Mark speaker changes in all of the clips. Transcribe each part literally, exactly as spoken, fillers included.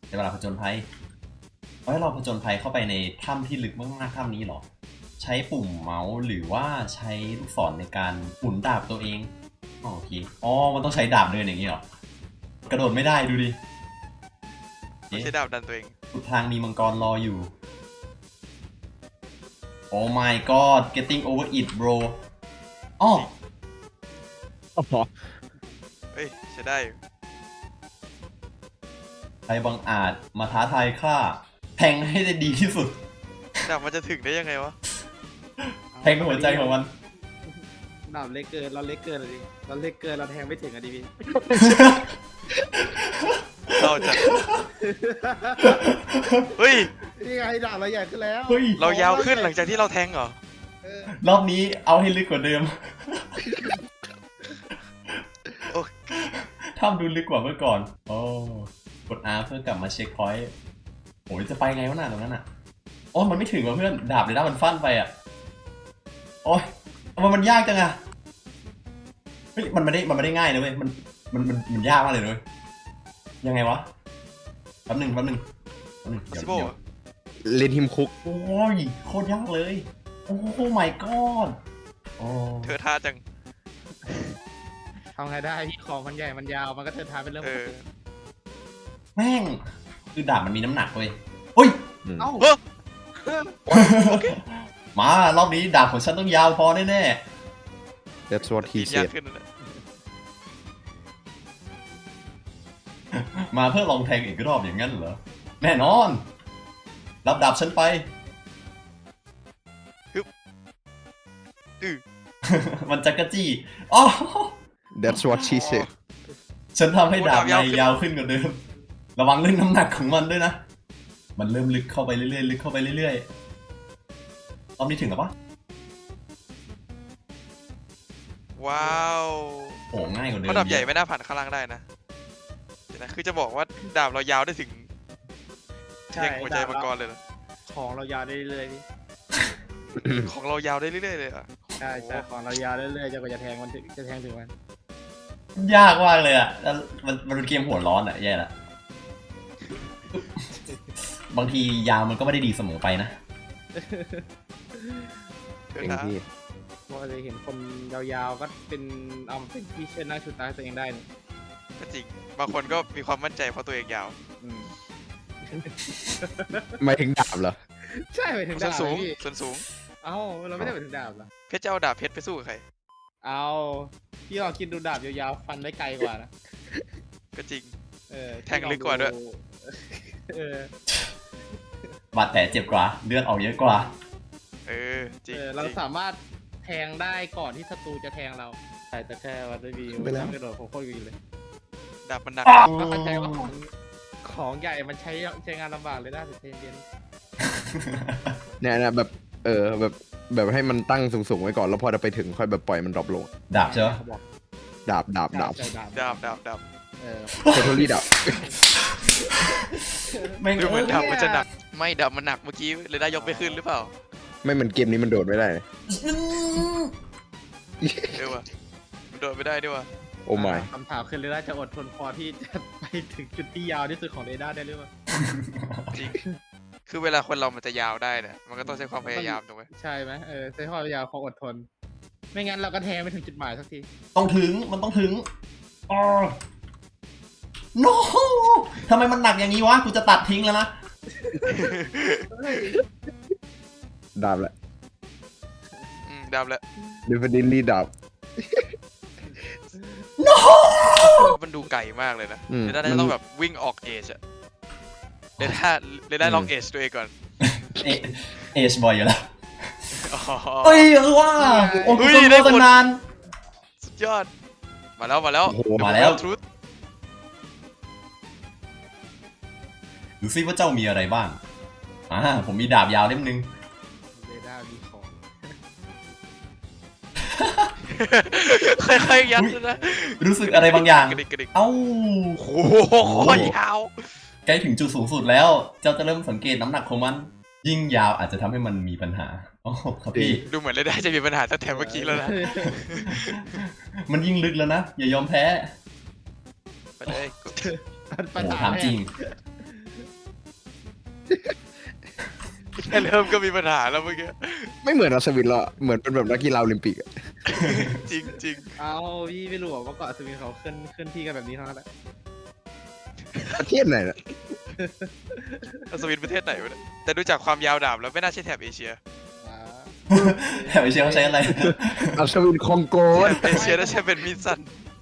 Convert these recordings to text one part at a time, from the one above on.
Speaker 1: ในเวลาผจญภัยเอาให้เราผจญภัยเข้าไปในถ้ำที่ลึกมากๆถ้ำนี้เหรอใช้ปุ่มเมาส์หรือว่าใช้ลูกศรในการหมุนดาบตัวเองอ๋อโอเคอ๋อมันต้องใช้ดาบเดินอย่างนี้เหรอกระโดดไม่ได้ดูดิ
Speaker 2: ไม่ใช่ดาบดันตัวเอง
Speaker 1: สุดทางมีมังกรรออยู่ Oh my god getting over it bro อ๋อ
Speaker 3: อ๋อ
Speaker 2: เฮ้ยใช้ได้
Speaker 1: ใครบังอาจมาท้าทายข้าแทงให้ได้ดีที่สุด
Speaker 2: ดาบมันจะถึงได้ยังไงวะ
Speaker 1: แทงหัวใจของมัน
Speaker 4: ดาบเล็กเกินเราเล็กเกินเลยดิเราเล็กเกินเราแทงไม่ถึงอะดิพี่
Speaker 2: เราจะเฮ้ย
Speaker 4: นี่ไงดาบเราใหญ่ขึ้นแล้ว
Speaker 2: เรายาวขึ้นหลังจากที่เราแทงเหรอ
Speaker 1: รอบนี้เอาให้ลึกกว่าเดิมถ้ำดูลึกกว่าเมื่อก่อนโอ้กด R เพื่อกลับมาเช็คพอยต์โอ้ยจะไปไงวะน่ะตรงนั้นอ่ะโอ้มันไม่ถึงว่ะเพื่อนดาบเลยนะมันฟันไปอ่ะโอ้ยมันมันยากจังอ่ะเฮ้ยมันไม่ได้มันไม่ได้ง่ายนะเว้ยมันมันมันมันยากมากเลยเลยยังไงวะแป๊บหนึ่งแป๊บหนึ่งแป๊บหนึ่งเดี๋ยวเดี๋ยว
Speaker 3: เลนทิมคุก
Speaker 1: โอ้ยโคตรยากเลยโอ้โห my god โอ้
Speaker 2: เธอท่าจัง
Speaker 4: ทำไงได้พี่ของมันใหญ่มันยาวมันก็เทินทางเป็นเรื่องปกติ
Speaker 1: แม่งคือดาบมันมีน้ำหนักเว้ยเฮ้ย
Speaker 4: เอ้า
Speaker 2: โอเค
Speaker 1: มารอบนี้ดาบของฉันต้องยาวพอแน่
Speaker 3: ๆ That's what he said
Speaker 1: มาเพื่อลองแทงอีกรอบอย่างนั้นเหรอแน่นอนรับดาบฉันไป
Speaker 2: ฮึบอือ
Speaker 1: มันจักรจี้อ๋อ
Speaker 3: That's what she said
Speaker 1: ฉันทำให้ดาบในยาวขึ้นกว่าเดิมระวังเรื่องน้ำหนักของมันด้วยนะมันเริ่มลึกเข้าไปเรื่อยๆลึกเข้าไปเรื่อยๆรอบนี้ถึงหรอปะ
Speaker 2: ว้าว
Speaker 1: โอ้ง่ายกว่าเดิม
Speaker 2: เพราะดาบใหญ่ไม่น่าผ่านข้างล่างได้นะเดี๋ยวนะคือจะบอกว่าดาบเรายาวได้ถึงแทงหัวใจมังกรเลยนะ
Speaker 4: ของเรายาวได้เรื่อยๆพี่
Speaker 2: ของเรายาวได้เรื่อยๆเลยอ่ะ
Speaker 4: ใช่ใช่ของเรายาวเรื่อยๆจนกว่าจะแทงมันจะแทงถึงมัน
Speaker 1: ยากมากเลยอ่ะแล้วมันมันเป็นเกมหัวร้อนอ่ะแย่ละบางทียาวมันก็ไม่ได้ดีเสมอไปนะ
Speaker 3: เองพี่
Speaker 4: เพราะจะเห็นคนยาวๆก็เป็นเอาเป็นที่เชื่อหน้าชุดตาตัวเองได้นี่
Speaker 2: ก็จริงบางคนก็มีความมั่นใจเพราะตัวเองยาว
Speaker 3: ไม่ถึงดาบเหรอ
Speaker 4: ใช่ไปถึงดาบ
Speaker 2: สูงส่วนสูง
Speaker 4: เอ้าเราไม่ได้ไปถึงดาบเหรอ
Speaker 2: เพชรจะเอาดาบเพชรไปสู้กับใคร
Speaker 4: เอาพี่ลองคิดดูดาบยาวๆฟันได้ไกลกว่านะ
Speaker 2: ก็จริง
Speaker 4: เออ
Speaker 2: แทงลึกกว่าด้วย
Speaker 4: เอ
Speaker 1: อบาดแผลเจ็บกว่าเลือดออกเยอะกว่า
Speaker 2: เออจริง
Speaker 4: เราสามารถแทงได้ก่อนที่ศัตรูจะแทงเราใช่แต่แค่วันได้บีไม่กระโดดผมโคตรวีเลย
Speaker 2: ดาบมันหนัก
Speaker 4: ก็เข้าใจว่าของของใหญ่มันใช้ใช้งานลำบากเลยได้แต่เย็น
Speaker 3: เนี่ยนะแบบเออแบบแบบให้มันตั้งสูงๆไว้ก่อนแล้วพอจะไปถึงค่อยแบบปล่อยมันดรอปลง
Speaker 1: ดาบใช่ไหม
Speaker 3: ดาบดาบดาบ
Speaker 2: ดาบดาบดาบ
Speaker 4: เออ
Speaker 3: เทอร์รี่ดาบ
Speaker 1: ไม่
Speaker 2: ดูเหมือนดาบมันจะหนักไม่ดาบมันหนักเมื่อกี้เลยได้ยกไปขึ้นหรือเปล่า
Speaker 3: ไม่เหมือนเกมนี้มันโดดไม่ได้
Speaker 2: เดี๋ยววะมันโดดไม่ได้ด้วยวะ
Speaker 3: โอ้ไม่
Speaker 4: คำถามคือเรด้าจะอดทนพอที่จะไปถึงจุดที่ยาวที่สุดของเรด้าได้หรือเปล่า
Speaker 2: จริงคือเวลาคนเรามันจะยาวได้เนี่ยมันก็ต้องใช้ความพยายามถูกไหม
Speaker 4: ใช่ไหมเออใช้ความพยายามความอดทนไม่งั้นเราก็แทงไม่ถึงจุดหมายสักที
Speaker 1: ต้องถึงมันต้องถึงอ๋อ no ทำไมมันหนักอย่างนี้วะกูจะตัดทิ้งแล้วนะ
Speaker 3: ดาบแหละ
Speaker 2: อืมดาบแหละ
Speaker 3: definitely ดาบ
Speaker 1: no
Speaker 2: มันดูไกลมากเลยนะเดี๋ยวได้ต้องแบบวิ่งออกเอชอะเดี๋ยวได้เดี๋ยวได้ลองเอชตัวเองก่อน
Speaker 1: เอชบ่อยอยู่แล้วเฮ้ยคือว่าโอ้โหได้ตั้งนาน
Speaker 2: สุดยอดมาแล้วมาแล้ว
Speaker 1: มาแล้วดูซิว่าเจ้ามีอะไรบ้างอ่าผมมีดาบยาวเล่มนึง
Speaker 4: เรด้ามีของ
Speaker 2: ค่อยๆยัดนะ
Speaker 1: รู้สึกอะไรบางอย่างเอ้า
Speaker 2: โอ้โหยาว
Speaker 1: ใกล้ถึงจุดสูงสุดแล้วเจ้าจะเริ่มสังเกตน้ำหนักของมันยิ่งยาวอาจจะทำให้มันมีปัญหาโอ้ครับพี่
Speaker 2: ดูเหมือนเลยได้จะมีปัญหาตั้งแต่เมื่อกี้แล้วนะ
Speaker 1: มันยิ่งลึกแล้วนะอย่ายอมแพ้
Speaker 2: ไปเลย
Speaker 1: โอ้ถามจริง
Speaker 2: แค่เริ่มก็มีปัญหาแล้วเมื่อกี้
Speaker 3: ไม่เหมือนอัศวินหรอกเหมือนเป็นแบบนักกีฬาโอลิมปิกอะ
Speaker 2: จริงจริง
Speaker 4: เอาพี่ไม่รู้หรอกว่าเกาะสวิงเขาเคลื่อนเคลื่อนที่กันแบบนี้เท่านั้นแหละ
Speaker 3: ประเทศไหนนะ
Speaker 2: อัศวินประเทศไหนวะเนี่ยแต่ดูจากความยาวดาบแล้วไม่น่าใช่แถบเอเชีย
Speaker 4: อ่า
Speaker 1: แถมไอเชียเขาใช้อะไร
Speaker 3: อัศวินคองโก
Speaker 2: แถบเอเชียน่าจะเป็นมิดซัน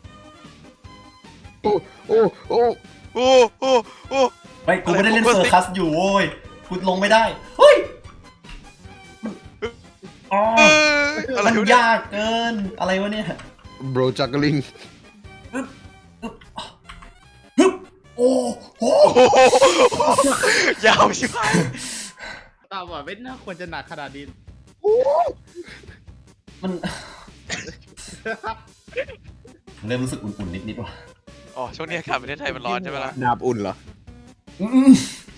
Speaker 3: โอ้โอ้โอ้
Speaker 2: โอ้โอ้โอ้
Speaker 1: ไม่กูไม่ได้เล่น
Speaker 2: อะไร
Speaker 1: เซอร์คัสอยู่โว้ยกูลงไม่ได้ เฮ้ยอ๋อ
Speaker 2: เอ้ยอะไร
Speaker 1: มัน
Speaker 2: วะเนี่ย
Speaker 1: ยากเกิน อะไรวะเนี่ย
Speaker 3: โบรจักลิง
Speaker 1: ฮึบโอ้โห
Speaker 2: โอ้โหยาวชิบหาย
Speaker 4: ตาบอดไม่น่าควรจะหนักขนาดนี้
Speaker 1: มัน เริ่มรู้สึกอุ่นๆนิดๆว่ะ
Speaker 2: อ๋อช่วงนี้อากาศประเทศไทยมันร้อนใช่ไหมล่ะ
Speaker 3: ดาบอุ่นเหรอ
Speaker 1: อืม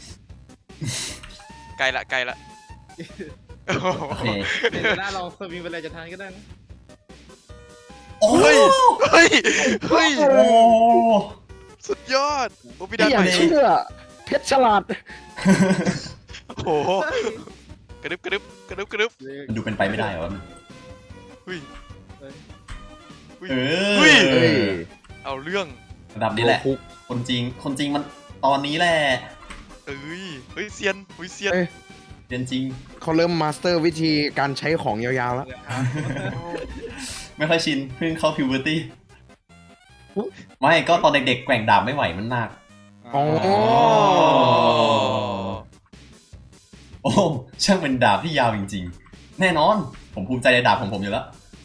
Speaker 2: ไกลละไกลละโอ้โห
Speaker 1: โอเค
Speaker 4: เดี๋ยวหน้าลองสวิงไปเลยจะทานก็ได้นะ
Speaker 1: โอ้
Speaker 2: เฮ้ยเฮ้ยเฮ้ย
Speaker 1: โอ้
Speaker 2: สุดยอดโอ้พี่ดัน
Speaker 3: ไม่อ
Speaker 2: ให
Speaker 3: ยาก
Speaker 2: ม่
Speaker 3: เชื่อเพชรฉลาด
Speaker 2: โอ้โหกระดึบกระดึบกระดึบกระดึบ
Speaker 1: มันดูเป็นไปไม่ได้เหรอวะมัน
Speaker 2: เฮ้ย
Speaker 4: เฮ้ย
Speaker 2: เฮ้ย
Speaker 1: เอ
Speaker 2: เฮ้ย
Speaker 3: เฮ้ย
Speaker 2: เอาเรื่อง
Speaker 1: ระดับนี้แหละ
Speaker 3: โคุก
Speaker 1: คนจริง คนจริงมันตอนนี้แหละ
Speaker 2: เอ้ยเฮ้ยเซียนเฮ้ยเซียน
Speaker 3: เอ้ย
Speaker 1: เรียนจริง
Speaker 3: เขาเริ่มมาสเตอร์วิธีการใช้ของยาวๆแล้ว
Speaker 1: ไม่ค่อยชิน เพิ่งเข้าพิวเบอร์ตี้ ไม่ก็ตอนเด็กๆแกว่งดาบไม่ไหวมันหนัก
Speaker 3: อ๋อ
Speaker 1: โอ้ช่างเป็นดาบที่ยาวจริงๆ แน่นอน ผมภูมิใจในดาบของผมอยู่แล้ว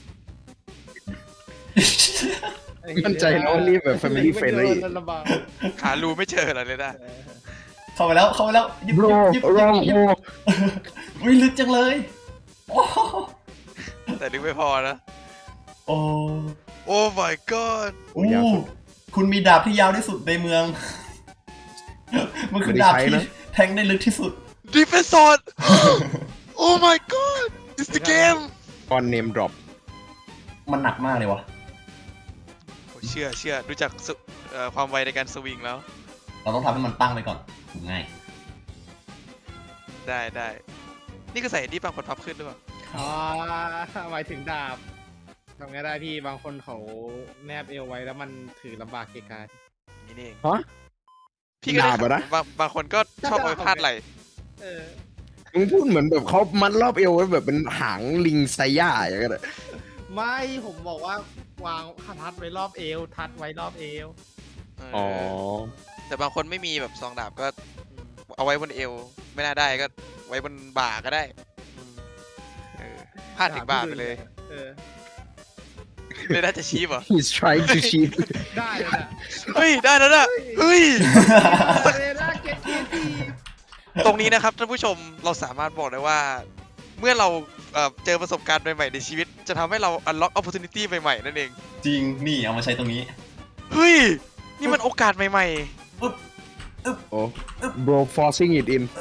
Speaker 3: มั่นใจแล้วว่านี่แบบ family
Speaker 4: ไม่
Speaker 3: friendly
Speaker 4: โดนระบาด
Speaker 2: หารูไม่เจอเหรอเลยนะ
Speaker 1: เข้าไปแล้ว เข้าไปแล้วยิบ
Speaker 3: โบร
Speaker 1: ยิบ
Speaker 3: โร
Speaker 1: ยิบ
Speaker 3: โ
Speaker 1: ยิบวิลึกจังเลยโอ้
Speaker 2: แต่นึกไม่พอนะ
Speaker 1: โอ้
Speaker 2: โอ้ my god
Speaker 3: โอ้ยาวสุด
Speaker 1: คุณมีดาบที่ยาวที่สุดในเมือง มันคือดาบที่
Speaker 3: ไม่ได้ใช้นะ
Speaker 1: แทงได้ลึกที่สุด
Speaker 2: defense sword oh my god it's the game
Speaker 3: ตอนเนมดรอป
Speaker 1: มันหนักมากเลยวะ
Speaker 2: โอ้เชื่อเชื่อดูจากสุเอ่อความไวในการสวิงแล้ว
Speaker 1: เราต้องทำให้มันตั้งไว้ก่อนง่าย
Speaker 2: ได้ได้นี่ก็ใส่ที่บางคนพับขึ้นด้วย
Speaker 4: อ๋อหมายถึงดาบทำไงได้พี่บางคนเขาแนบเอวไว้แล้วมันถือลำบากเกะกะ
Speaker 2: นี่นี่เอง
Speaker 3: ฮะ
Speaker 2: พี่ก็ได้
Speaker 3: ดาบอะนะ
Speaker 2: บางบางคนก็ชอบเอาไปพาดไหล
Speaker 4: เออ
Speaker 3: มึงพูดเหมือนแบบเขามัดรอบเอวไว้แบบเป็นหางลิงไซย่าอย่างเงี้ยเลย
Speaker 4: ไม่ผมบอกว่าวางทัดไว้รอบเอว ทัดไว้รอบเอว
Speaker 2: เออแต่บางคนไม่มีแบบซองดาบก็เอาไว้บนเอว ไม่น่าได้ก็ไว้บนบ่าก็ได้เออพาดถึงบ่าไปเลย
Speaker 4: เออ
Speaker 2: เลยน่าจะชี้ป่ะ
Speaker 3: he's trying to cheat
Speaker 4: ได้เลยนะ
Speaker 2: เฮ้ยได้แล้วนะเฮ้ย
Speaker 4: เรน่าเก็ตทีที
Speaker 2: ตรงนี้นะครับท่านผู้ชมเราสามารถบอกได้ว่า เมื่อเราเอ่อเจอประสบการณ์ใหม่ๆในชีวิต จะทำให้เรา unlock opportunity ใหม่ๆนั่นเอง
Speaker 1: จริงนี่เอามาใช้ตรงนี้
Speaker 2: เฮ้ย นี่มันโอกาสใหม่
Speaker 3: โอ้ bro forcing it in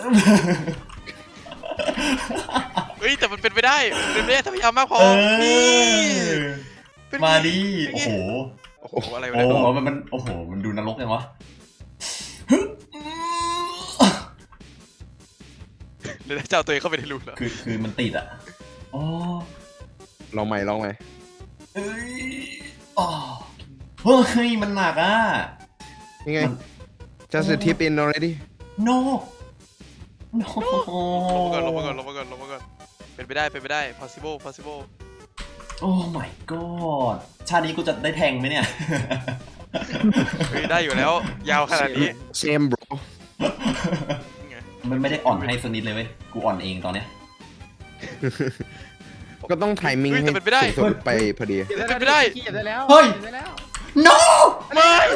Speaker 2: ๆ เฮ้ย แต่มันเป็นไปได้มันเป็นไปได้ถ้าพยายามมากพอ
Speaker 1: เอ
Speaker 2: นี่
Speaker 1: อ
Speaker 2: เป็น
Speaker 1: มา
Speaker 2: ไง
Speaker 1: ดิ
Speaker 2: เป็น
Speaker 1: โอ้
Speaker 2: ไง
Speaker 1: โห
Speaker 2: โอ้โห อะไรวะ
Speaker 1: โอ้
Speaker 2: เนี่ย
Speaker 1: โหมันมันโอ้โห มันดูนรกยังวะ
Speaker 2: เดี๋ยวจะเอาตัวเองเข้าไปในรูแล้ว
Speaker 1: คือคือมันติดอ่ะอ๋อ
Speaker 3: ลองใหม่ลองใหม่
Speaker 1: เอ้ยอ๋อเฮ้ย มันหนักอ่ะ
Speaker 3: ยังไง
Speaker 1: มัน
Speaker 3: just a tip in already
Speaker 1: no no
Speaker 2: ลงมาก่อนลงมาก่อนลงมาก่อนลงมาก่อน เป็นไปได้ เป็นไปได้ possible possible
Speaker 1: โอ้ my god ชาตินี้กูจะได้แทงไหมเนี่ย
Speaker 2: เฮ้ย ได้อยู่แล้ว ยาวขนาดนี้
Speaker 3: same bro
Speaker 2: ไง
Speaker 1: มันไม่ได้อ่อนให้สักนิดเลยเว้ย กูอ่อนเองตอนเนี้ย
Speaker 3: ก็ต้องไทมิ่ง
Speaker 2: เฮ้ย
Speaker 3: ให้
Speaker 2: แต่เป็นไปได้
Speaker 3: สุดๆไปพอดี
Speaker 2: เป็นไปได้
Speaker 4: เขียนได้แล้ว
Speaker 1: เฮ้ย
Speaker 4: ขีนได้แล้ว
Speaker 1: no
Speaker 2: ไม่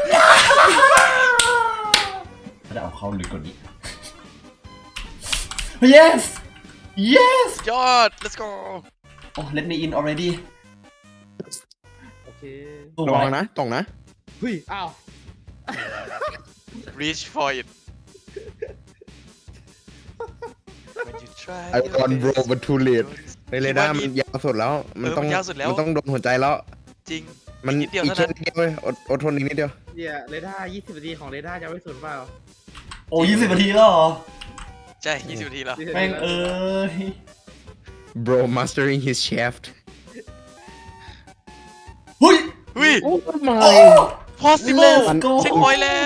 Speaker 1: ถ้าจะเอาเข้าลึกกว่านี้ yes yes
Speaker 2: ยอด let's go
Speaker 1: oh let me in already
Speaker 4: โอเค
Speaker 1: ตัว
Speaker 3: ระวัง
Speaker 1: ไว้
Speaker 3: นะตรงนะ
Speaker 4: เฮ้ย อ้าว
Speaker 2: reach for it when you try
Speaker 3: I want bro but too late ในเรดาร์
Speaker 2: คิ
Speaker 3: มั
Speaker 2: ด
Speaker 3: น
Speaker 2: ว่านี่
Speaker 3: ยาวสุดแล้ว มัน
Speaker 2: เออ
Speaker 3: ต้อง
Speaker 2: มันยาวสุดแล้ว
Speaker 3: มันต้องโดนหัวใจแล้ว
Speaker 2: จริง
Speaker 3: มัน
Speaker 2: อีกนิดเดียว
Speaker 3: อีก
Speaker 2: เท่า
Speaker 3: แค่
Speaker 2: นั้น
Speaker 3: นิดเดียวเว้ยอดอดทนอีกนิดเดียว
Speaker 4: เดี๋ยวเรดาร์ยี่สิบนาทีของเรดาร์จะไม่สูญเปล่า
Speaker 1: โอ้ยี่สิบนาทีแล้วเหรอ
Speaker 2: ใช่ยี่สิบนาทีแล้ว
Speaker 1: แม่งเอ้ย
Speaker 3: bro mastering his shaft
Speaker 1: เฮ้ย
Speaker 2: เฮ้ย
Speaker 3: โอ้ my
Speaker 1: โอ้
Speaker 2: possible
Speaker 1: Let's go
Speaker 2: เช็คพอยต์แล้ว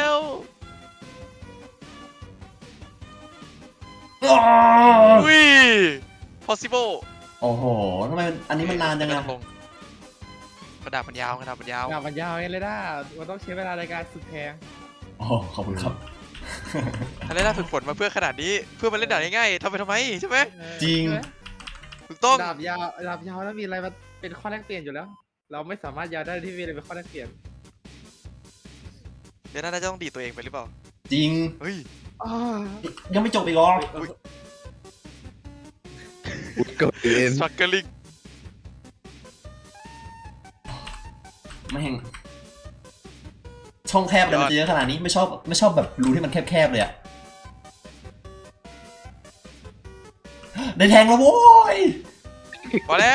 Speaker 1: อ้าว
Speaker 2: เฮ้ย possible
Speaker 1: โอ้โหทำไมอันนี้มันนานจัง
Speaker 2: ไม่
Speaker 1: อะ
Speaker 2: ต้องลงกระดาษมันยาวกระดาษมันยาว
Speaker 4: ดาบมันยาวไงเลยด้ามันต้องใช้เวลาในการฝึกแทง
Speaker 1: โอ้ขอบคุณครับ
Speaker 2: อะไรน่าฝึกฝนมาเพื่อขนาดนี้เพื่อมาเล่นด่านง่ายๆทำไปทำไมใช่ไหม
Speaker 1: จริง
Speaker 4: ใช่ไหม
Speaker 2: ถูกต้อง
Speaker 4: ดาบยาวดาบยาวแล้วมีอะไรมาเป็นข้อแลกเปลี่ยนอยู่แล้ว เราไม่สามารถยาวได้ที่มีอะไรเป็นข้อแลกเปลี่ยน
Speaker 2: เดี๋ยวน่าจะต้องดีดตัวเองไปหรือเปล่า
Speaker 1: จริง
Speaker 2: เฮ้ย
Speaker 4: อ้า
Speaker 1: ยังไม่จบอีกเหรอ
Speaker 3: ก็เอ็น
Speaker 2: struggling
Speaker 1: ไม่แห่งช่องแคบเลยมันจะเยอะขนาดนี้ไม่ชอบไม่ชอบแบบรูที่มันแคบๆเลยอะได้แทงแล้วโว้ย
Speaker 2: พอแล้ว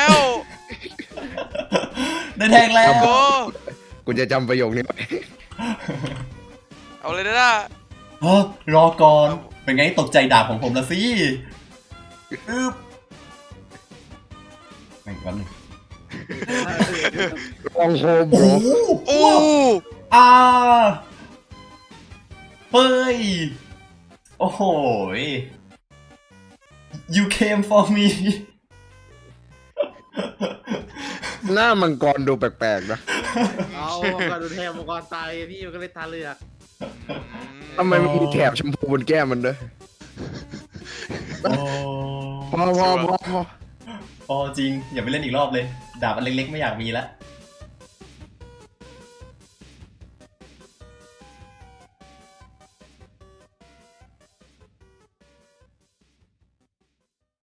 Speaker 1: ได้แทงแล้ว
Speaker 2: โก้
Speaker 3: กูจะจำประโยคนี้ไว้
Speaker 2: เอาเลยนะ
Speaker 1: เฮ้อรอก่อน เป็นไงตกใจดาบของผมละสิอึ๊บแม่งแป๊บนึง
Speaker 3: ลองโฮม
Speaker 1: โอ้
Speaker 3: bro
Speaker 1: โห
Speaker 2: โอ้
Speaker 1: อ่าเฮ้ย โอ้โห you came for me
Speaker 3: หน้ามังกรดูแปลกๆนะ
Speaker 4: เอามังกรดูแทงมังกรตายพี่มันก็เลยตาเลือก
Speaker 3: ทำไมมันมีแถบชมพูบนแก้มมันด้วย
Speaker 1: โอ้
Speaker 3: พอพอพอพอ
Speaker 1: พอจริง อย่าไปเล่นอีกรอบเลย ดาบอันเล็กๆไม่อยากมีแล้ว